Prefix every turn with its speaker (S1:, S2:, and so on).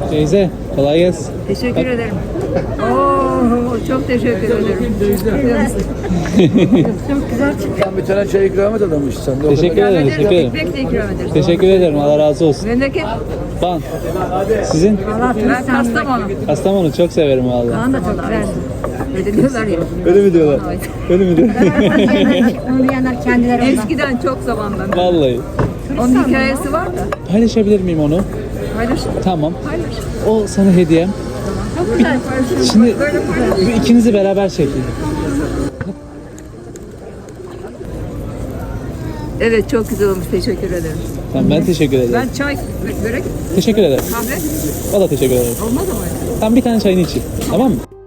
S1: Teyze kolay gelsin.
S2: Teşekkür ederim. Oo, çok teşekkür ederim. Çok güzel çıktı.
S3: Bir tane çay ikram et adammış sen de. O
S1: Teşekkür
S3: kadar.
S1: ederim. Teşekkür ederim.
S2: Ekmek de ikram ederiz.
S1: Teşekkür ederim. Allah razı olsun.
S2: Memleket
S1: Van. Sizin?
S2: ben Kastamonu.
S1: Kastamonu çok severim vallahi.
S2: Kaan da çok güzel. Öyle diyorlar ya.
S1: Öyle mi diyorlar?
S2: Evet.
S1: Öyle mi diyorlar?
S4: Onu diyenler kendileri ondan.
S2: Eskiden çok zamandan.
S1: Vallahi.
S2: Onun hikayesi var da.
S1: Paylaşabilir miyim onu?
S2: Paylaş.
S1: Tamam.
S2: Paylaş.
S1: O sana hediyem.
S2: Çok güzel paylaşın.
S1: Şimdi
S2: Böyle paylaş.
S1: bu ikinizi beraber çekeyim.
S2: Evet çok güzel olmuş. Teşekkür ederim.
S1: Tamam ben teşekkür ederim.
S2: Ben çay, börek,
S1: Teşekkür ederim.
S2: kahve
S1: Valla teşekkür ederim.
S2: olmaz ama.
S1: Tamam bir tane çayını içeyim. Tamam mı?